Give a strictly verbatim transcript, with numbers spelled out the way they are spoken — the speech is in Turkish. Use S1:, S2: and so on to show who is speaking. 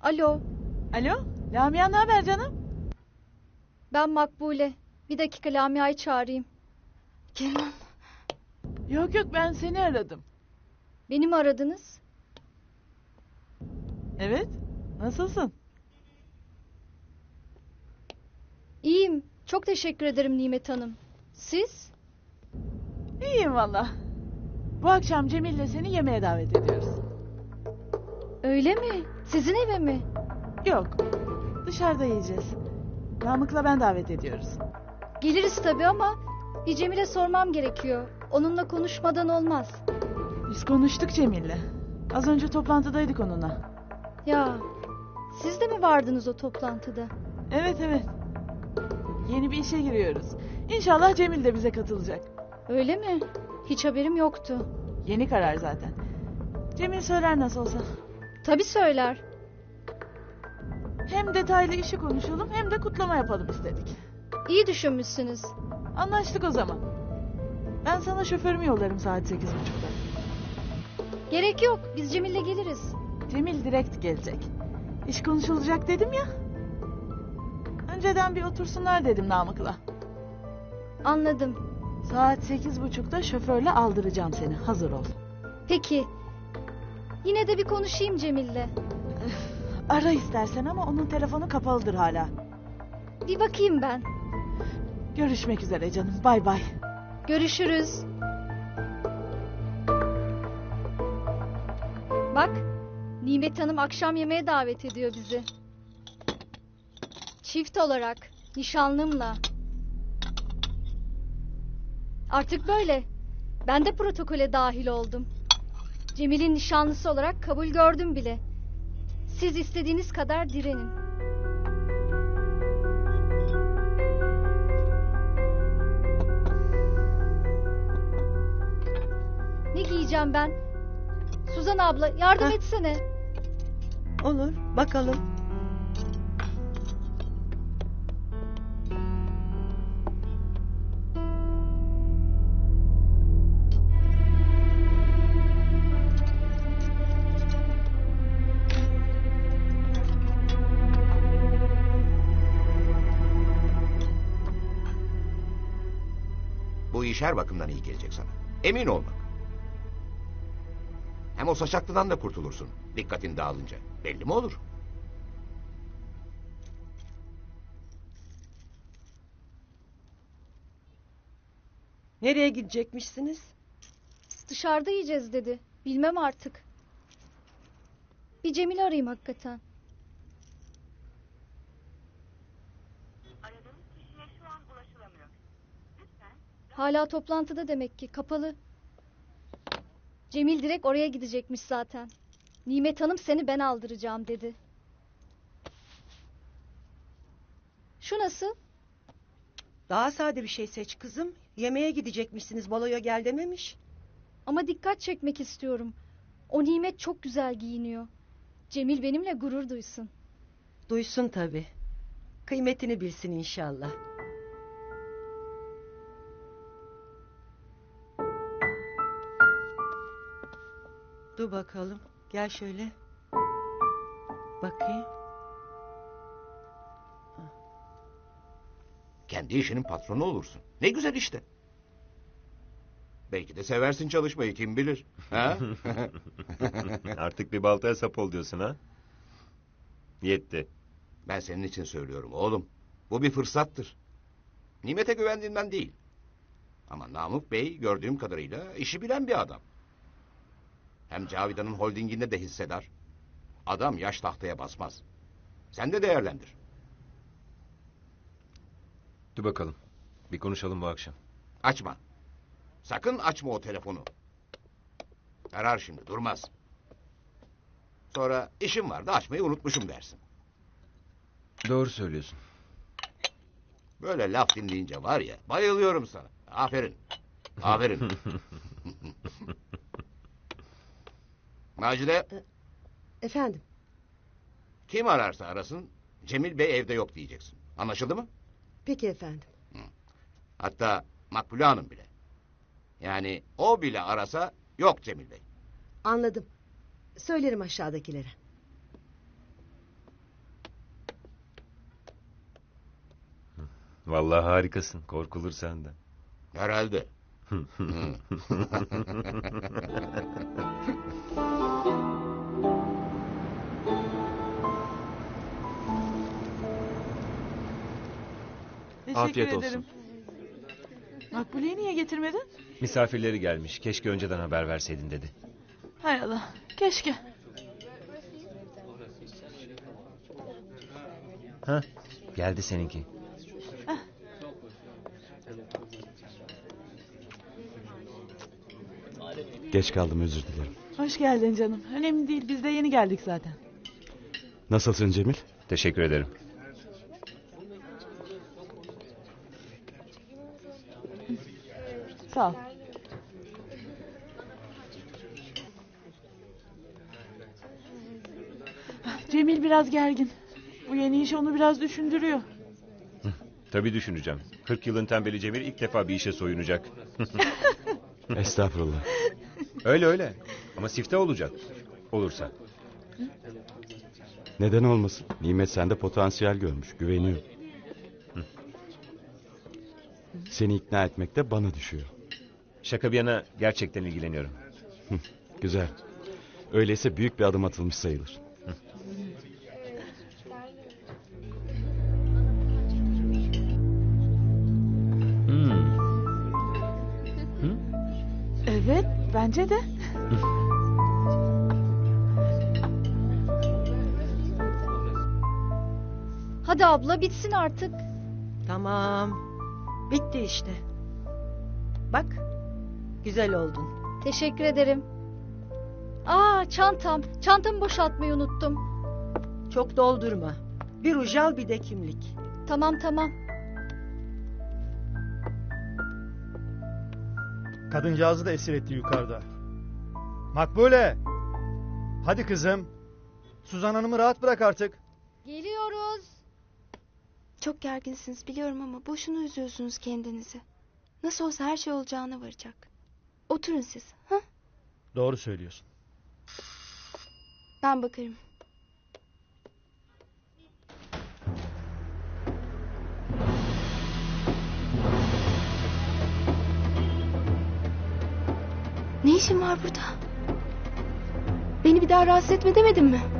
S1: Alo,
S2: Alo, Lamia ne haber canım?
S1: ben Makbule. Bir dakika Lamia'yı çağırayım.
S3: Kenan.
S2: Yok yok ben seni aradım.
S1: Beni mi aradınız?
S2: Evet, nasılsın?
S1: İyiyim. Çok teşekkür ederim Nimet Hanım. Siz?
S2: İyiyim valla. Bu akşam Cemil'le seni yemeğe davet ediyoruz.
S1: Öyle mi? Sizin eve mi?
S2: Yok, dışarıda yiyeceğiz. Namık'la ben davet ediyoruz.
S1: Geliriz tabii ama bir Cemil'e sormam gerekiyor. Onunla konuşmadan olmaz.
S2: Biz konuştuk Cemil'le. Az önce toplantıdaydık onunla.
S1: Ya, siz de mi vardınız o toplantıda?
S2: Evet evet. Yeni bir işe giriyoruz. İnşallah Cemil de bize katılacak.
S1: Öyle mi? Hiç haberim yoktu.
S2: Yeni karar zaten. Cemil söyler nasıl olsa.
S1: Tabii söyler.
S2: Hem detaylı işi konuşalım hem de kutlama yapalım istedik.
S1: İyi düşünmüşsünüz.
S2: Anlaştık o zaman. Ben sana şoförümü yollarım saat sekiz buçukta.
S1: Gerek yok. Biz Cemil'le geliriz.
S2: Cemil direkt gelecek. İş konuşulacak dedim ya. Önceden bir otursunlar dedim Namık'la.
S1: Anladım.
S2: Saat sekiz buçukta şoförle aldıracağım seni. Hazır ol.
S1: Peki. Yine de bir konuşayım Cemil'le.
S2: Ara istersen ama onun telefonu kapalıdır hala.
S1: Bir bakayım ben.
S2: Görüşmek üzere canım. Bay bay.
S1: Görüşürüz. Bak, Nimet Hanım akşam yemeğe davet ediyor bizi. Çift olarak, nişanlımla. Artık böyle. Ben de protokole dahil oldum. Cemil'in nişanlısı olarak kabul gördüm bile. Siz istediğiniz kadar direnin. Ne giyeceğim ben? Suzan abla yardım
S3: Heh.
S1: etsene.
S3: Olur, bakalım.
S4: Bu iş her bakımdan iyi gelecek sana. Emin ol bak. Hem o saçaklıdan da kurtulursun. Dikkatin dağılınca. Belli mi olur?
S3: Nereye gidecekmişsiniz?
S1: Dışarıda yiyeceğiz dedi. Bilmem artık. Bir Cemil'i arayayım hakikaten.
S5: Aradığınız kişiye şu an ulaşılamıyor. Lütfen
S1: Hala toplantıda demek ki. Kapalı. Cemil direkt oraya gidecekmiş zaten. Nimet Hanım seni ben aldıracağım dedi. Şu nasıl?
S3: Daha sade bir şey seç kızım. Yemeğe gidecekmişsiniz, baloya gel dememiş.
S1: Ama dikkat çekmek istiyorum. O Nimet çok güzel giyiniyor. Cemil benimle gurur duysun.
S3: Duysun tabii. Kıymetini bilsin inşallah. Dur bakalım. Gel şöyle. Bakayım.
S4: Kendi işinin patronu olursun. Ne güzel işte. Belki de seversin çalışmayı, kim bilir. Ha?
S6: Artık bir baltaya sap ol diyorsun ha? Yetti.
S4: Ben senin için söylüyorum oğlum. Bu bir fırsattır. Nimet'e güvendiğinden değil. Ama Namık Bey gördüğüm kadarıyla işi bilen bir adam. Hem Cavidan'ın holdinginde de hissedar. Adam yaş tahtaya basmaz. Sen de değerlendir.
S6: Dur bakalım. Bir konuşalım bu akşam.
S4: Açma. Sakın açma o telefonu. Arar şimdi, durmaz. Sonra işim vardı, açmayı unutmuşum dersin.
S6: Doğru söylüyorsun.
S4: Böyle laf dinleyince var ya, bayılıyorum sana. Aferin. Aferin. Macide,
S7: Efendim,
S4: kim ararsa arasın, Cemil Bey evde yok diyeceksin. Anlaşıldı mı?
S7: peki efendim.
S4: Hatta Makbule Hanım bile. Yani o bile arasa yok Cemil Bey.
S7: Anladım. Söylerim aşağıdakilere.
S6: Vallahi harikasın. Korkulur senden.
S4: Herhalde.
S2: Teşekkür
S8: Afiyet olsun.
S2: ederim. Makbule'yi niye getirmedin?
S6: Misafirleri gelmiş. Keşke önceden haber verseydin dedi.
S2: Hay Allah. Keşke.
S6: Ha? Geldi seninki.
S8: Geç kaldım, özür dilerim.
S2: Hoş geldin canım. Önemli değil. Biz de yeni geldik zaten.
S8: Nasılsın Cemil?
S6: Teşekkür ederim.
S2: Sağ ol. Cemil biraz gergin. Bu yeni iş onu biraz düşündürüyor.
S6: Tabii düşüneceğim. kırk yılın tembeli Cemil ilk defa bir işe soyunacak.
S8: Estağfurullah.
S6: Öyle öyle. Ama sifte olacak. Olursa.
S8: Neden olmasın? Nimet sende potansiyel görmüş, güveniyor. Seni ikna etmek de bana düşüyor.
S6: Şaka bir yana gerçekten ilgileniyorum.
S8: Güzel. Öyleyse büyük bir adım atılmış sayılır.
S6: Hmm.
S2: Evet, bence de.
S1: Hadi abla bitsin artık.
S3: Tamam. Bitti işte. Bak. Güzel oldun.
S1: Teşekkür ederim. Aa çantam. Çantamı boşaltmayı unuttum.
S3: Çok doldurma. Bir ruj al, bir de kimlik.
S1: Tamam tamam.
S9: Kadıncağızı da esir etti yukarıda. Makbule! Hadi kızım. Suzan Hanım'ı rahat bırak artık.
S1: Geliyoruz.
S10: Çok gerginsiniz biliyorum ama boşuna üzüyorsunuz kendinizi. Nasıl olsa her şey olacağına varacak. Oturun siz. Ha?
S9: Doğru söylüyorsun.
S10: Ben bakarım. Ne işin var burada? Beni bir daha rahatsız etme demedim mi?